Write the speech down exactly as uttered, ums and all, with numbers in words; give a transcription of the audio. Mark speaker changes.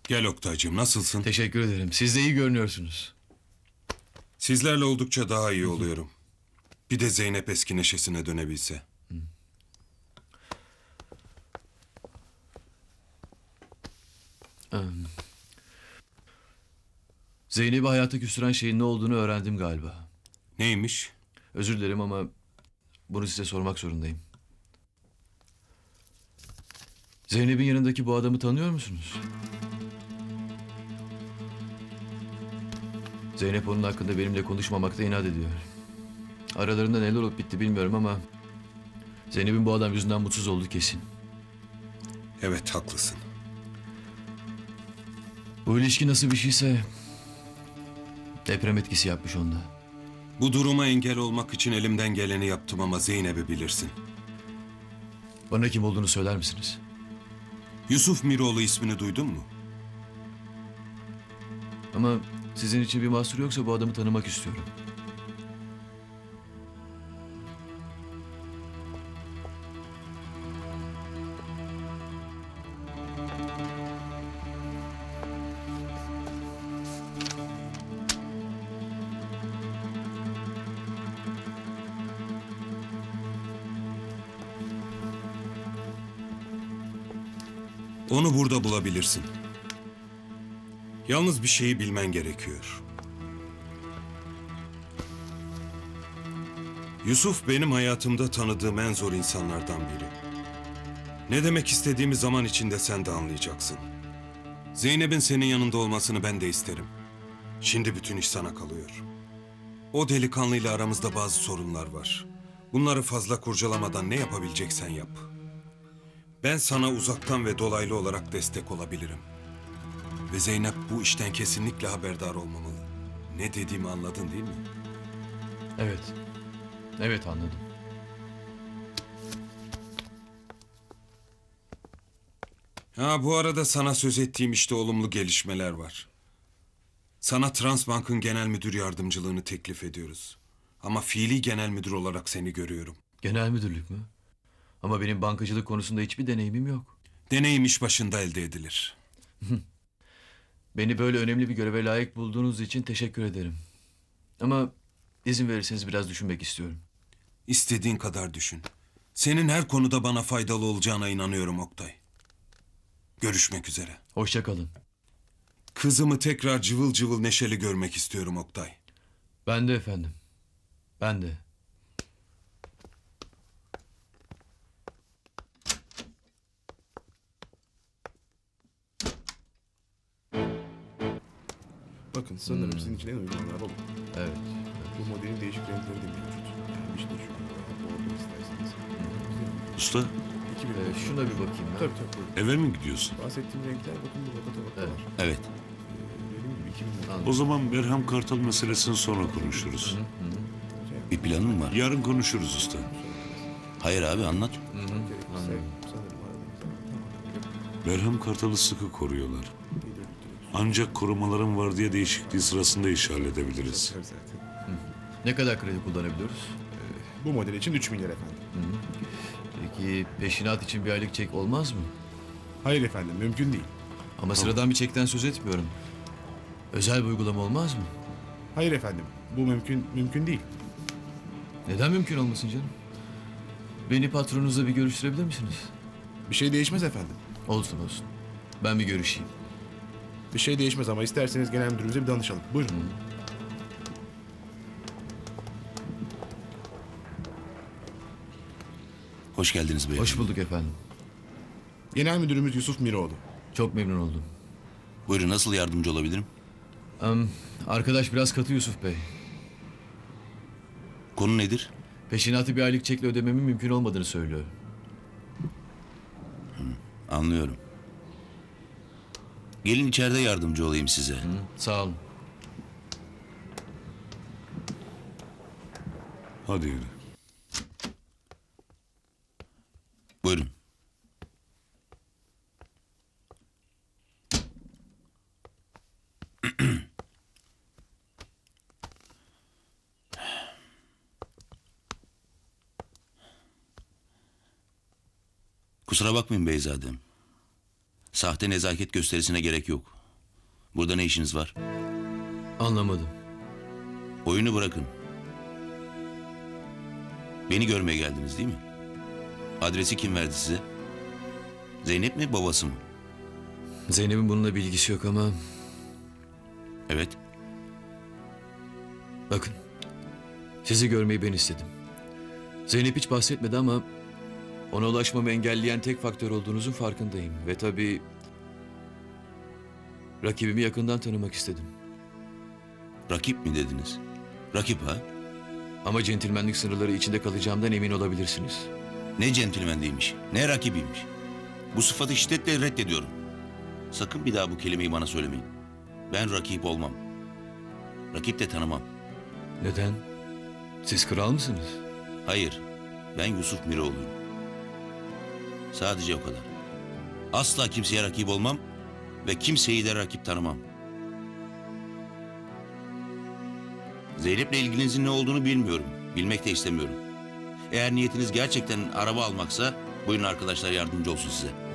Speaker 1: Gel Oktay'cığım, nasılsın?
Speaker 2: Teşekkür ederim. Siz de iyi görünüyorsunuz.
Speaker 1: Sizlerle oldukça daha iyi oluyorum. Bir de Zeynep eski neşesine dönebilse.
Speaker 2: Zeynep'i hayata küstüren şeyin ne olduğunu öğrendim galiba.
Speaker 1: Neymiş?
Speaker 2: Özür dilerim ama bunu size sormak zorundayım. Zeynep'in yanındaki bu adamı tanıyor musunuz? Zeynep onun hakkında benimle konuşmamakta inat ediyor. Aralarında neler olup bitti bilmiyorum ama Zeynep'in bu adam yüzünden mutsuz olduğu kesin.
Speaker 1: Evet, haklısın.
Speaker 2: Bu ilişki nasıl bir şeyse deprem etkisi yapmış onda.
Speaker 1: Bu duruma engel olmak için elimden geleni yaptım ama Zeynep'i bilirsin.
Speaker 2: Bana kim olduğunu söyler misiniz?
Speaker 1: Yusuf Miroğlu ismini duydun mu?
Speaker 2: Ama sizin için bir mahsur yoksa bu adamı tanımak istiyorum.
Speaker 1: Onu burada bulabilirsin. Yalnız bir şeyi bilmen gerekiyor. Yusuf benim hayatımda tanıdığım en zor insanlardan biri. Ne demek istediğimi zaman içinde sen de anlayacaksın. Zeynep'in senin yanında olmasını ben de isterim. Şimdi bütün iş sana kalıyor. O delikanlıyla aramızda bazı sorunlar var. Bunları fazla kurcalamadan ne yapabileceksen yap. Ben sana uzaktan ve dolaylı olarak destek olabilirim. Ve Zeynep bu işten kesinlikle haberdar olmamalı. Ne dediğimi anladın değil mi?
Speaker 2: Evet. Evet anladım.
Speaker 1: Ha, bu arada sana söz ettiğim işte olumlu gelişmeler var. Sana Transbank'ın genel müdür yardımcılığını teklif ediyoruz. Ama fiili genel müdür olarak seni görüyorum.
Speaker 2: Genel müdürlük mü? Ama benim bankacılık konusunda hiçbir deneyimim yok.
Speaker 1: Deneyim iş başında elde edilir.
Speaker 2: Beni böyle önemli bir göreve layık bulduğunuz için teşekkür ederim. Ama izin verirseniz biraz düşünmek istiyorum.
Speaker 1: İstediğin kadar düşün. Senin her konuda bana faydalı olacağına inanıyorum Oktay. Görüşmek üzere.
Speaker 2: Hoşça kalın.
Speaker 1: Kızımı tekrar cıvıl cıvıl neşeli görmek istiyorum Oktay.
Speaker 2: Ben de efendim. Ben de.
Speaker 3: Bakın sanırım sizin için en uygun araba bu.
Speaker 2: Evet.
Speaker 3: Bu modelin değişik renkleri de mevcut. Yani işte şu bordo isterseniz.
Speaker 4: Usta,
Speaker 3: iki bin
Speaker 2: Ee, şuna bir bakayım ben.
Speaker 3: Tabii tabii. Buyurun.
Speaker 4: eve mi gidiyorsun?
Speaker 3: Bahsettiğim renkler bakın bu tabaka tabaka
Speaker 2: Evet.
Speaker 3: var.
Speaker 4: Evet.
Speaker 3: Ee, dediğim gibi iki bin lira.
Speaker 2: Anladım.
Speaker 4: O zaman Berham Kartal meselesini sonra konuşuruz.
Speaker 5: Bir planın mı var?
Speaker 4: Yarın konuşuruz usta.
Speaker 5: Hayır abi anlat.
Speaker 3: Gerekirse sanırım aradığınızda. Tamam.
Speaker 4: Berham Kartal'ı sıkı koruyorlar. Ancak korumaların var diye değişikliği sırasında iş halledebiliriz.
Speaker 3: Zaten. zaten.
Speaker 2: Ne kadar kredi kullanabiliyoruz?
Speaker 3: Bu model için üç milyar efendim.
Speaker 2: Peki peşinat için bir aylık çek olmaz mı?
Speaker 3: Hayır efendim mümkün değil.
Speaker 2: Ama sıradan bir çekten söz etmiyorum. Özel bir uygulama olmaz mı?
Speaker 3: Hayır efendim bu mümkün mümkün değil.
Speaker 2: Neden mümkün olmasın canım? Beni patronunuzla bir görüştürebilir misiniz?
Speaker 3: Bir şey değişmez efendim.
Speaker 2: Olsun olsun. Ben bir görüşeyim.
Speaker 3: Bir şey değişmez ama isterseniz genel müdürümüze bir danışalım. Buyurun.
Speaker 5: Hoş geldiniz beyefendi.
Speaker 2: Hoş bulduk efendim.
Speaker 3: Genel müdürümüz Yusuf Miroğlu.
Speaker 2: Çok memnun oldum.
Speaker 5: Buyurun nasıl yardımcı olabilirim?
Speaker 2: Am, arkadaş biraz katı Yusuf Bey.
Speaker 5: Konu nedir?
Speaker 2: Peşinatı bir aylık çekle ödememin mümkün olmadığını söylüyor.
Speaker 5: Anlıyorum. Gelin içeride yardımcı olayım size.
Speaker 2: Sağ olun.
Speaker 4: Hadi yürü.
Speaker 5: Buyurun. Kusura bakmayın beyzadem. Sahte nezaket gösterisine gerek yok. Burada ne işiniz var?
Speaker 2: Anlamadım.
Speaker 5: Oyunu bırakın. Beni görmeye geldiniz değil mi? Adresi kim verdi size? Zeynep mi, babası mı?
Speaker 2: Zeynep'in bununla bir ilgisi yok ama
Speaker 5: Evet.
Speaker 2: bakın. Sizi görmeyi ben istedim. Zeynep hiç bahsetmedi ama ona ulaşmamı engelleyen tek faktör olduğunuzun farkındayım. Ve tabii rakibimi yakından tanımak istedim.
Speaker 5: Rakip mi dediniz? Rakip ha?
Speaker 2: Ama centilmenlik sınırları içinde kalacağımdan emin olabilirsiniz.
Speaker 5: Ne centilmenliğiymiş, ne rakibiymiş. Bu sıfatı şiddetle reddediyorum. Sakın bir daha bu kelimeyi bana söylemeyin. Ben rakip olmam. Rakip de tanımam.
Speaker 2: Neden? Siz kral mısınız?
Speaker 5: Hayır, ben Yusuf Miroğlu'yum. Sadece o kadar. Asla kimseye rakip olmam ve kimseyi de rakip tanımam. Zeynep'le ilginizin ne olduğunu bilmiyorum. Bilmek de istemiyorum. Eğer niyetiniz gerçekten araba almaksa buyurun arkadaşlar yardımcı olsun size.